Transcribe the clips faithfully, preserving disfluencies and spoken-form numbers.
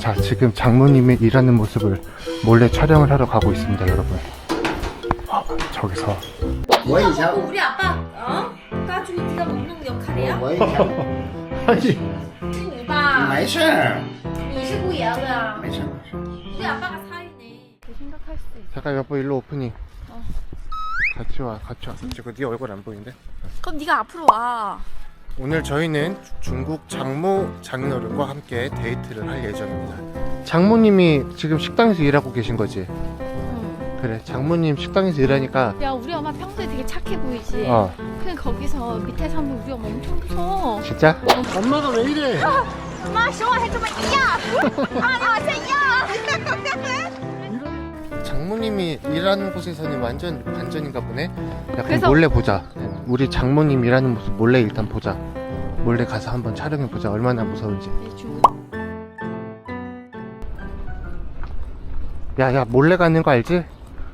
자, 지금 장모님이 일하는 모습을 몰래 촬영을 하러 가고 있습니다, 여러분. 어, 저기서. 뭐 이상? 우리 아빠 어? 까주기 네가 먹는 역할이야? 뭐 이상? 아니, 是你吧？ 没事， 你是故意的。 没事没事。 우리 아빠가 살이네. 생각할 수도 있어. 잠깐 여보 일로 오프닝. 어. 같이 와, 같이 와서 찍어. 네 얼굴 안 보이는데? 그럼 네가 앞으로 와. 오늘 저희는 중국 장모 장인어른과 함께 데이트를 할 예정입니다. 장모님이 지금 식당에서 일하고 계신 거지? 응. 그래, 장모님 식당에서 일하니까. 야 우리 엄마 평소에 되게 착해 보이지? 어, 그냥 거기서 밑에 사면 우리 엄마 엄청 무서워. 진짜? 엄마가 왜 이래? 妈手还这么一样，啊，你好像一样。 장모님이 일하는 곳에서는 완전 반전인가 보네. 약간 그래서- 몰래 보자. 우리 장모님 일하는 모습 몰래 일단 보자. 몰래 가서 한번 촬영해 보자. 얼마나 무서운지. 야야, 몰래 가는 거 알지?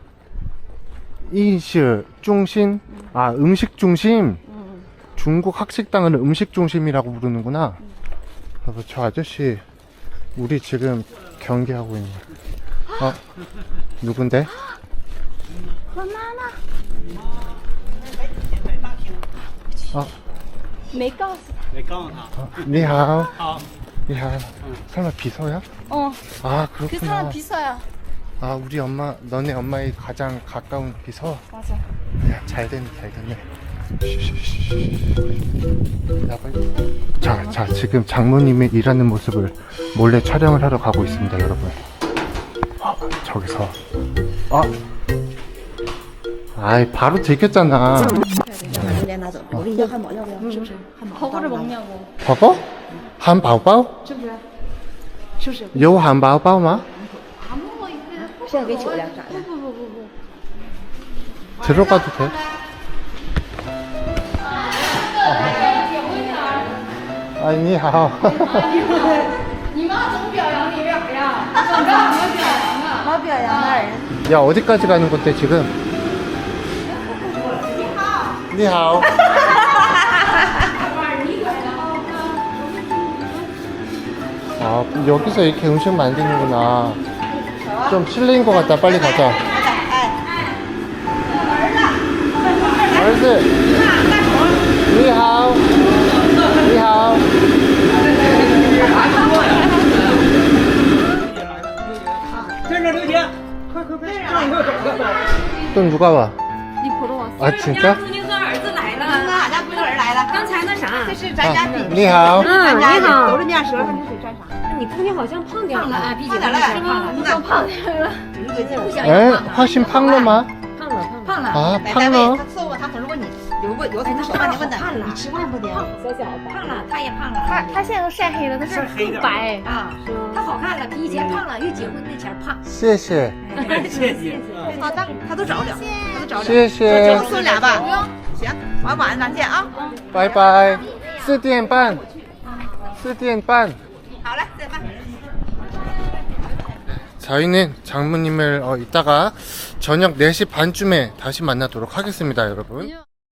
인시 중심. 아, 음식 중심. 중국 학식당은 음식 중심이라고 부르는구나. 여보, 저 아저씨 우리 지금 경계하고 있는. 어? 누군데? 我妈妈 어? 没告诉他。 没告诉他。 어, 니하오. 好， 니하오. 설마 비서야? 어, 아, 그 그렇구나. 사람 비서야. 아, 우리 엄마, 너네 엄마의 가장 가까운 비서? 맞아. 야, 잘 됐네, 잘 됐네. 야, 빨리. 자, 자, 지금 장모님이 일하는 모습을 몰래 촬영을 하러 가고 있습니다, 여러분. 어, 저기서. 어? 아이, 바로 들켰잖아. 把榴莲拿走，我给你要汉堡，要不要？是不是？汉堡。 버거를 먹냐고. 버거? 한바오바오? 是不是？是不是？ 요 한바오바오 마? 안 먹어 이제. 现在给酒量咋的？ 부부부부. 들어가도 돼? 아, 니하오. 你妈总表扬你表扬，怎么没有表扬啊？ 好表扬大人。 야, 어디까지 가는 건데, 지금? 니하오. 아, 여기서 이렇게 음식 만드는구나. 좀 실례인 것 같다. 빨리 가자.兒子. 니하오. 니하오. 또 누가 와? 니 보러 왔어? 아, 진짜? 夫人和儿子来了， 俺家闺女儿来了， 刚才那啥， 这是咱家的， 你好。 咱家的你好都是面舌头，你水蘸啥？ 你姑娘好像胖点了，啊，比胖点了， 是吗？你都胖点了，不想 에? 要胖了， 훨씬 팡러마? 胖了胖了， 아, 在单位 팡러? 他伺候他，他如果你有过有从手吧，你问他，你吃饭不得？ 小小的胖了，她也胖了，她她现在都晒黑了，她是更白啊，她好看了，比以前胖了，越结婚那前胖。 谢谢。 谢谢。 他他他都找了，他都找了。 谢谢。 就送俩吧，不用。行，晚晚上咱见啊。 拜拜。四点半。四点半。 好嘞，再见。 저희는 장모님을 어, 이따가 저녁 네 시 반쯤에 다시 만나도록 하겠습니다, 여러분.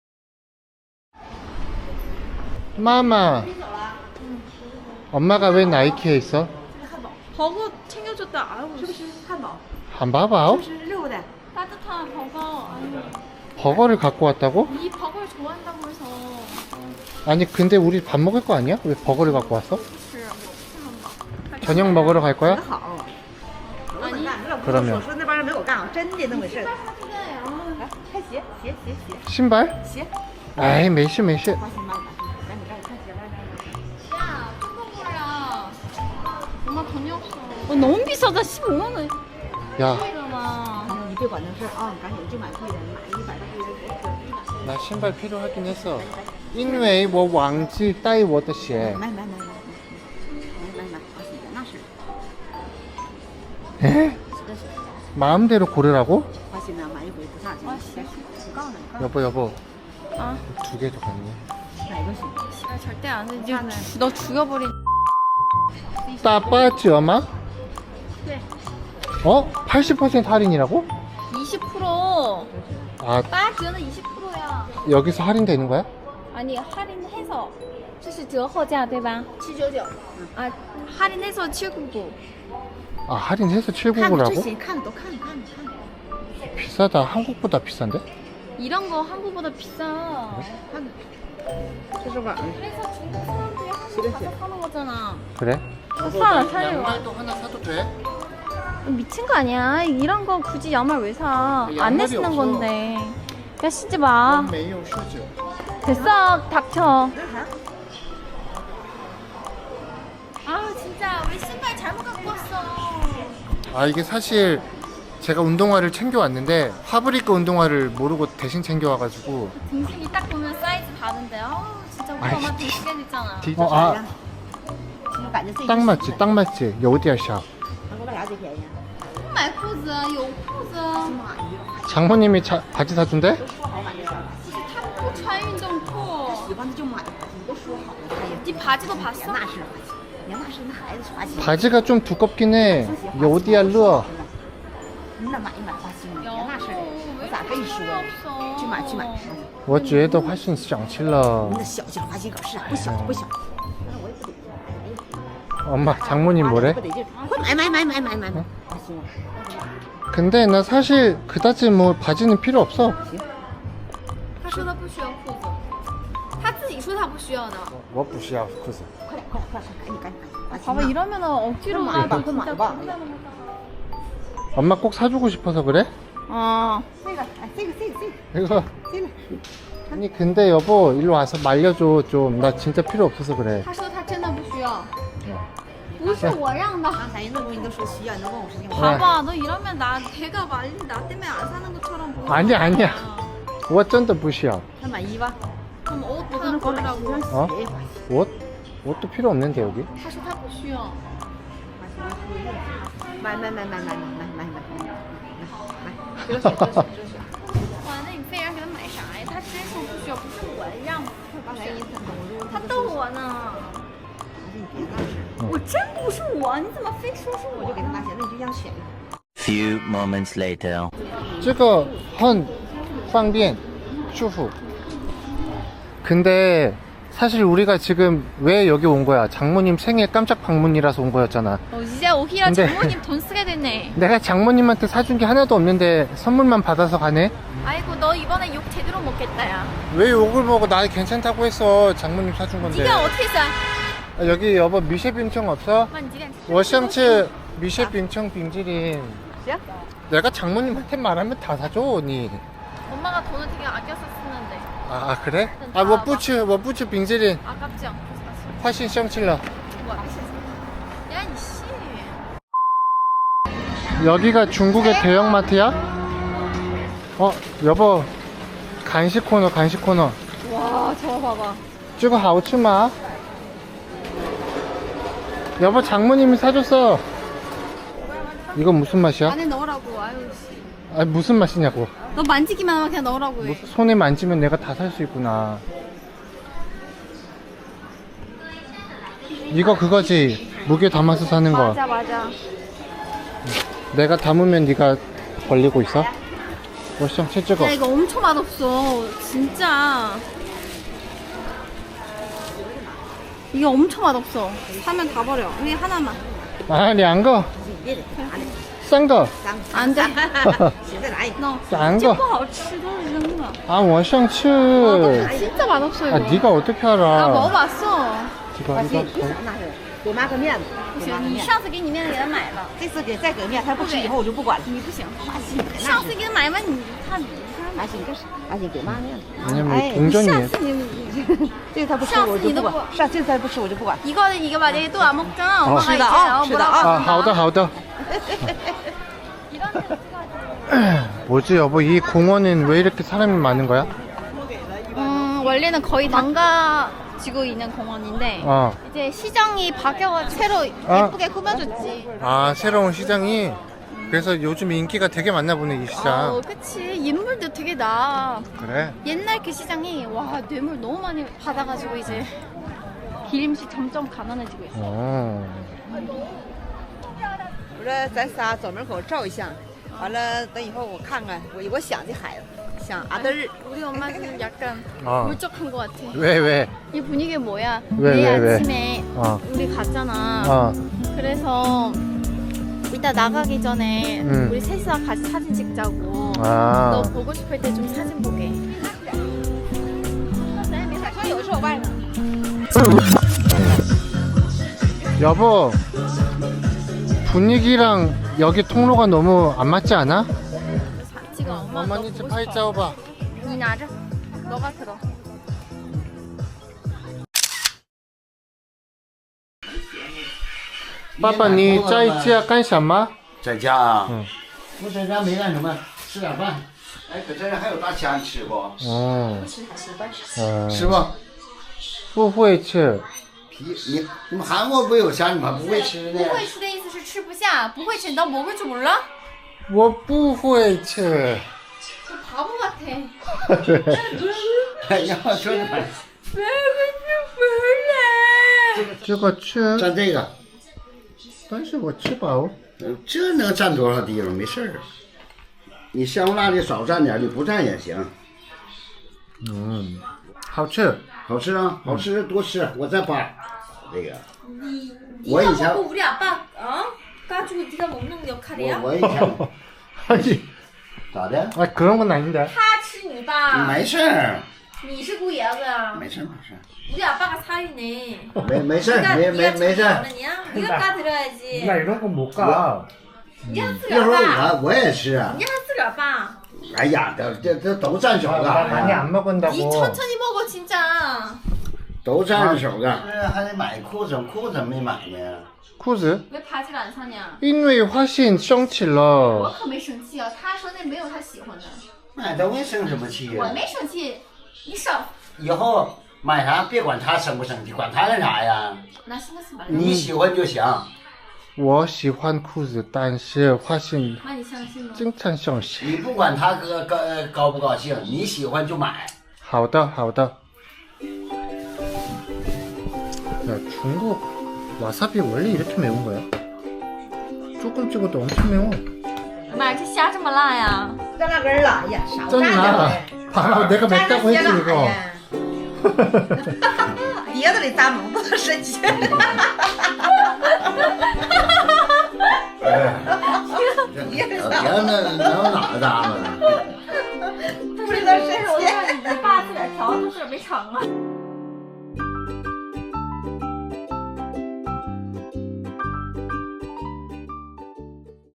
마마. 엄마가 왜 나이키에 있어? 버거 챙겨줬다. 아유, 是不是汉堡？ 한바바오? 是六的。 따뜻한 버거. 아니, 버거를 갖고 왔다고? 이 버거를 좋아한다고 해서. 아니, 근데 우리 밥 먹을 거 아니야? 왜 버거를 갖고 왔어? 저녁 먹으러 갈 거야? 好。 아니. 可能没有说那帮人没我干啊，真的那么回事。来，看鞋，鞋，鞋，鞋， 신발? 鞋。 아이, 메시, 메시. 花心妈，赶紧赶紧看鞋，赶紧。 야, 뜯어버려. 엄마 돈이 없어. 어, 너무 비싸다. 십오만 원. 야, 이러나. 你别管那事儿啊，你赶紧就买贵的，买一百多块钱。 나 신발 필요하긴 했어. 因为我忘记带我的鞋. 买买买买买买买，花心的那是。 에? 마음대로 고르라고? 花心呢，买一回不差钱。我告诉你， 여보, 여보. 아, 두 개 더 갔네. 哪个行？ 씨발 절대 안 돼. 이제 주- 너 죽여버린. 따빠지 엄마? 네. 어? 팔십 퍼센트 할인이라고? 이십 퍼센트. 아, 八折的이십 퍼센트야. 여기서 할인되는 거야? 아니 할인해서 这是折后价对吧？七九九。啊， 할인해서 칠백구십구. 아 할인해서 看看这 칠백구십구라고? 些，看都看看看， 비싸다. 한국보다 비싼데? 이런 거 한국보다 비싸. 看看，这是网的。 그래서 중국 사람들이 한국 가서 사는 거잖아. 그래? 사라 사요. 양말도 하나 사도 돼? 미친 거 아니야. 이런 거 굳이 양말 왜 사? 안 양말이 내시는 없어. 건데. 야 쉬지 마. 没有十九. 됐어 닥쳐. 这是啥？ 아 진짜 왜 신발 잘못 갖고 왔어? 아 이게 사실 제가 운동화를 챙겨왔는데 파브리크 운동화를 모르고 대신 챙겨와가지고 등신이 딱 보면 사이즈 다른데. 아우 진짜 우리 아이, 엄마 등신이 있잖아. 어, 아, 其实我感觉这 딱 맞지 딱 맞지 여디야 샵 韩国为啥最便宜啊？ 买裤子有裤子。 妈呀， 장모님이 자, 바지 사준대? 都说好买这双， 不是他不穿运动裤。 喜欢的就买，你都说好了，他也。 네 바지도 杨 봤어? 大是花钱，杨大是那孩子花钱。 바지가 좀 두껍긴 해 여디야 르어 那买一买花心，杨大是的，我咋跟你说呢？ 없어. 去买去买。 我觉得훨씬小气了你那小劲花心可是啊，不小不小。但是我也不得劲，哎 엄마 장모님 뭐래? 不得劲，快买买买买买买买，花心啊。 근데 나 사실 그다지 뭐 바지는 필요 없어 他说他不需要裤子，他自己说他不需要的。 我不需要裤子快点快点快点，赶紧赶紧赶紧。 봐봐 이러면은 억지로 그럼 가도 안 봐, 그럼 진짜 안 봐. 불편하다. 엄마 꼭 사주고 싶어서 그래? 어. 这个，哎，这个这个这个 이거 这个， 아니 근데 여보 일로 와서 말려줘 좀 나 진짜 필요 없어서 그래 他说他真的不需要，不是我让的。 刚才那东西都说需要，你都问我事情，我 봐봐 너 이러면 나 걔가 말린 나 때문에 안 사는 것처럼 보여. 아니야 아니야 我真的不需要那买衣吧， 그럼 옷 我 하나 跟他给我买 고르라고. 一双 어? 鞋， 옷? 옷도 필요 없는데 여기 他说他不需要。 买买买买买买买买买买买，这个鞋这个鞋这个鞋， 哇，那你非让给他买啥呀？他真说不需要，不是我让他不需要，他逗我呢。 你别那是， 我真不是我，你怎么非说是我？ 我就给他拿鞋，那你就让选一个。 Few moments later. 这个很方便舒服 근데 사실 우리가 지금 왜 여기 온 거야 장모님 생일 깜짝 방문이라서 온 거였잖아 어, 이제 오히려 근데- 장모님 돈 쓰게 됐네. 내가 장모님한테 사준 게 하나도 없는데 선물만 받아서 가네 아이고 너 이번에 욕 제대로 먹겠다 야. 왜 욕을 먹어 나 괜찮다고 했어 장모님 사준 건데 네가 어떻게 써? 아, 여기 여보 미쉐빈청 없어? 妈，你几点？ 我想吃 미쉐빈청 빙지린 行， 내가 장모님한테 말하면 다 사줘 니 엄마가 돈을 되게 아껴서 쓰는데 아, 아 그래? 아, 我不吃我不吃 빙지린 아깝지 않고 샀어. 훨씬 샹칠러 뭐? 야, 이 씨. 여기가 중국의 대형마트야? 어 여보 간식 코너 간식 코너 와, 저거 봐봐. 这个好吃吗? 여보 장모님이 사줬어 이건 무슨 맛이야? 안에 넣으라고. 아유 씨. 아 무슨 맛이냐고 너 만지기만 하면 그냥 넣으라고 해. 뭐, 손에 만지면 내가 다 살 수 있구나 이거 그거지 무게 담아서 사는 거 맞아, 맞아. 내가 담으면 네가 벌리고 있어? 워시장 채찍어 야, 이거 엄청 맛없어. 진짜. 이게 엄청 맛없어. 사면 다 버려. 우리 하나만. 아, 两个别得拿的， 三个三个， 안 돼. 行，再拿一个。 너. 三个这不好吃，都是扔的。 아, 我想吃 아, 진짜 맛없어 이거. 아, 네가 어떻게 나 알아 먹어봤어. 이거 花 이거 心，你想拿是给妈个面子， 不行给妈，个面子。 你上次给你面子给他买了， 这次给再给面，他不吃以后我就不管了。 你不行。 花心， 上次给他买完，你看你花心干啥？花心给妈面子。 왜냐면 哎， 동전이 上次你这个他不吃上次我就不管， 你都不上这次他不吃我就不管。 이거 이거 봐, 내가 또 안 먹잖아. 엄마가 是的 이제 아, 어, 是的 뭐라고 아, 한다. 好的好的 이런 데 찍어야지. 뭐지 여보 이 공원은 왜 이렇게 사람이 많은 거야? 음, 원래는 거의 망가지고 있는 공원인데 어. 이제 시장이 바뀌어가지고 새로 아. 예쁘게 꾸며줬지. 아 새로운 시장이 그래서 요즘 인기가 되게 많나 보네 이 시장 어, 그치. 인물도 되게 나. 그래? 옛날 그 시장이 와 뇌물 너무 많이 받아가지고 이제 기름씨 점점 가난해지고 있어. 어. 我说咱仨走门口照一相，完了等以后我看看，我我想这孩子，想像阿德儿。 우리 엄마 지금 약간 어. 울적한 것 같아. 왜 왜? 이 분위기 뭐야? 왜, 내일 왜, 왜? 아침에 어. 우리 갔잖아. 어. 그래서 이따 나가기 전에 음. 우리 셋이서 같이 사진 찍자고. 너 아. 보고 싶을 때 좀 사진 보게. 여보. 분위기랑 여기 통로가 너무 안 맞지 않아? 지금 엄마 너 어머니 집 보고 파이 싶어. 짜오봐. 니 나자. 너가 들어. 爸爸，你在家干什么？ 在家啊， 嗯我在家没干什么，吃点饭。哎，搁这儿还有大虾，你吃不？ 哦，嗯， 吃不？ 不会吃。 皮你你们韩国不有虾，你们还不会吃呢？ 不会吃的意思是吃不下，不会吃你너 먹을 줄 몰라? 我不会吃。 너 바보 같아. 哎呀，说你们这个吃， 蘸这个， 但是我吃饱。 呃这能占多少地方？没事儿。你香不辣的少蘸点，你不蘸也行。 嗯，好吃。 好吃啊，好吃多吃，我再扒这个。 네가 이 자- 먹고 우리 아빠 어? 까주고 네가 먹는 我 역할이야? 我以前 아니, 咋的？ 아 그런 건 아닌데. 他吃你吧没事儿， 你是姑爷子没事儿，没事儿， 우리 아빠가 살이네 没没事儿， 네가 没没 네가 没事儿。 장난이야? 네가 까드려야지 이런 거 못 가. 니가 一会儿 쓰려봐 我我也吃啊。 니가 쓰려봐 哎呀，这这这都蘸手 나 많이 干， 안 니 먹은다고. 천천히 먹어 진짜 都蘸手干。这还得买裤子，裤子没买呢。 裤子？ 왜 바지를 안 사냐 因为花信生气我了。 可没生气啊他说那没有他喜欢的买东西生什么气呀？ 我没生气你少以后买啥别管他生不生气，管他干啥呀？ 나 신경 쓰지 말라 你喜欢就行。 我喜欢裤子，但是花信 많이 相信吗经常生气。 你不管他高高高不高兴，你喜欢就买。 好的，好的。야, 중국 와사비 원래 이렇게 매운 거야? 조금 찍어도 엄청 매워. 妈这虾这么辣呀蘸那根儿了，哎呀，少蘸点 짠나. 呗。 봐, 내가 蘸 맵다고 着 했지 些了， 이거. 碟子里咂猛，不能生气。 别别那能哪咂巴呢？ 不知道生气。 我让你爸自个儿调，他自个儿没尝啊。